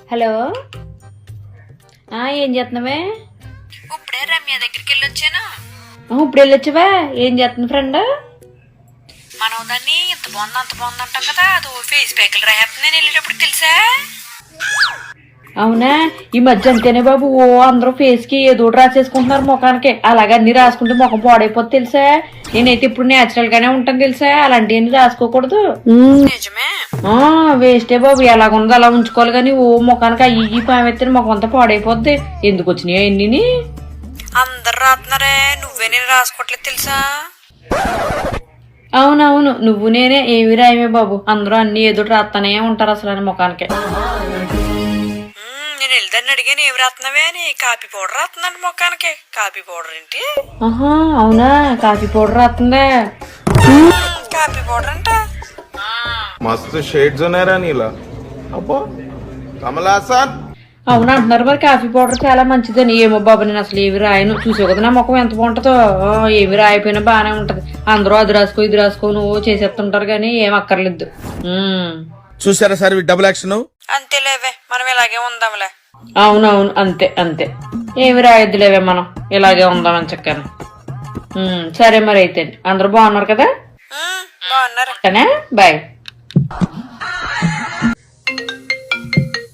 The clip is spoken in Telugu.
హలో, ఏం చేస్తున్నావే? ఇప్పుడే రమ్య దగ్గరికి వెళ్ళొచ్చాను. ఇప్పుడు వెళ్ళొచ్చావా? ఏం చేస్తుంది ఫ్రెండ్? మనం దాన్ని ఇంత బాగుంది అంత బాగుంది అంటాం కదా, అది ఫేస్ ప్యాక్లు రాయేస్తుంది నేను వెళ్ళేటప్పుడు తెలుసా. అవునా? ఈ మధ్య అంతేనే బాబు, అందరూ ఫేస్ కి ఏదో రాసేసుకుంటున్నారు ముఖానికి. అలాగే అన్ని రాసుకుంటే ముఖం పాడైపోతుంది తెలుసా. నేనైతే ఇప్పుడు నేచురల్ గానే ఉంటాను తెలుసా, అలాంటివన్నీ రాసుకోకూడదు. నిజమే. వేస్టే బాబు, ఎలాగుందో అలా ఉంచుకోవాలి కానీ ముఖానికి అయ్యి పామెత్తే ముఖం అంతా పాడైపోద్ది. ఎందుకు వచ్చినాయో ఎన్ని? అందరు రాస్తున్నారే, నువ్వే నేను రాసుకోవట్లేదు తెలుసా. అవునవును, నువ్వు నేనే ఏమి రాయమే బాబు, అందరూ అన్ని ఏదో రాస్తానే ఉంటారు అసలు అని ముఖానికి. నేను వెళ్దాన్ని అడిగాను ఏమి రాస్తున్నావే అని. కాఫీ పౌడర్ రాస్తుందండి ముఖానికి. కాఫీ పౌడర్ ఏంటి? అవునా, కాఫీ పౌడర్ రాస్తుందా? కాఫీ పౌడర్ అంట. మస్తు షేడ్స్ ఉన్నారా నీలా? అబ్బో కమలాసన్. అవును అంటున్నారు మరి, కాఫీ పౌడర్ చాలా మంచిదని. ఏమో బాబు, నేను అసలు ఏవి రాయను. చూసావు కదా నా ముఖం ఎంత బాగుంటుందో. ఏమి రాయిపోయినా బాగానే ఉంటది. అందరూ అది రాసుకో ఇది రాసుకో నువ్వు చేసేస్తుంటారు కానీ ఏం అక్కర్లేదు. చూసారా సార్ డబుల్ యాక్షన్? అంతేలేవే, మనం ఇలాగే ఉందాంలే. అవునవును, అంతే అంతే. ఏమి రాయొద్దులేవే, మనం ఇలాగే ఉందామని చక్కని. సరే మరి అయితే అందరూ బాగున్నారు కదా? బాగున్నారు. బాయ్.